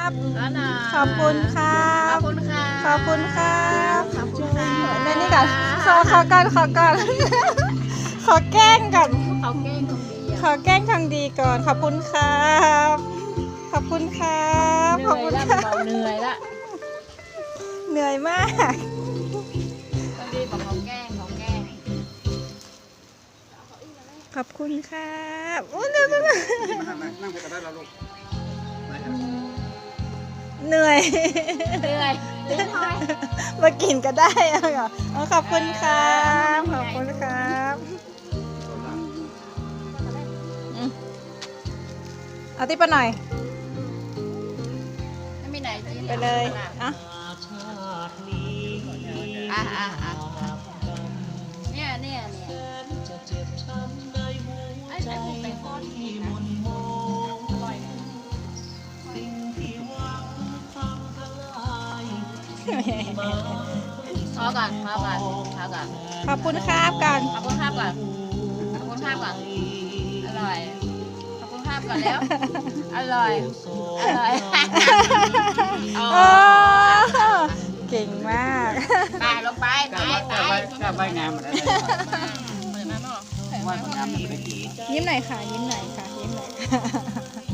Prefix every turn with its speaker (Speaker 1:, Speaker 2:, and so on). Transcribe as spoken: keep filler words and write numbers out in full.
Speaker 1: บ
Speaker 2: แล้วนะ
Speaker 1: ขอบคุณครั
Speaker 2: ขอบบ คุณค่ะ
Speaker 1: ขอบคุณครับ
Speaker 2: ขอบคุณค่ะ
Speaker 1: ในนี่ก่อนขอขอก่อนขอก่อน ขอแกล้งก่อน
Speaker 2: เขาเก่งของดี
Speaker 1: ข
Speaker 2: อ่ะ
Speaker 1: อแกล้งทำดีก่อน ขอบคุณครับ ขอบคุณครับ
Speaker 2: เห
Speaker 1: ขอบ
Speaker 2: นื่อย
Speaker 1: คุณ
Speaker 2: ละ
Speaker 1: ครับ
Speaker 2: บอกเหนื่อยละ
Speaker 1: เหนื่อยมาก
Speaker 2: คนดีบอกเขาแกล้งเขาแกล้ง
Speaker 1: ขอบคุณครับอู้เดี๋ยวๆ
Speaker 3: นั่งนั่งไปก็ได้แล้วลูก
Speaker 1: เหนื่อย
Speaker 2: เหนื่อยเหนื่อยทอย
Speaker 1: มากินก็ได้อะค่ะอ๋อขอบคุณครับ ขอบคุณครับอืมเอาติ๊บไปหน่อย
Speaker 2: ไม่มีไหนจีน
Speaker 1: ไปเลยอ่ะ
Speaker 2: อ่ะอ่ะอ่ะเนี่ยเนี่ยเนี่ยไอ้ใส่หมูแตงทอดที่นะอร่อยพอก่อนพอก่อนพอก่อน
Speaker 1: ขอบคุณครับก่อน
Speaker 2: ขอบคุณภาพก่อนขอบคุณภาพก่อนอร่อยขอบคุณภาพก่อนแล้วอร่อยอร่อย
Speaker 1: โอ้เก่งมาก
Speaker 2: ตายลงไป
Speaker 3: กล้า
Speaker 2: ตาย
Speaker 3: ไว้
Speaker 2: ตาก
Speaker 3: ล้าย ไว้กล้าไว้งามหมดแล้ว
Speaker 2: เหมือนนั้นหรอ
Speaker 3: ว่ามันงามมันไม่ได้กิน
Speaker 1: ยิ้มหน่อยค่ะ ยิ้มหน่อยค่ะ ยิ้มหน่อยค่ะ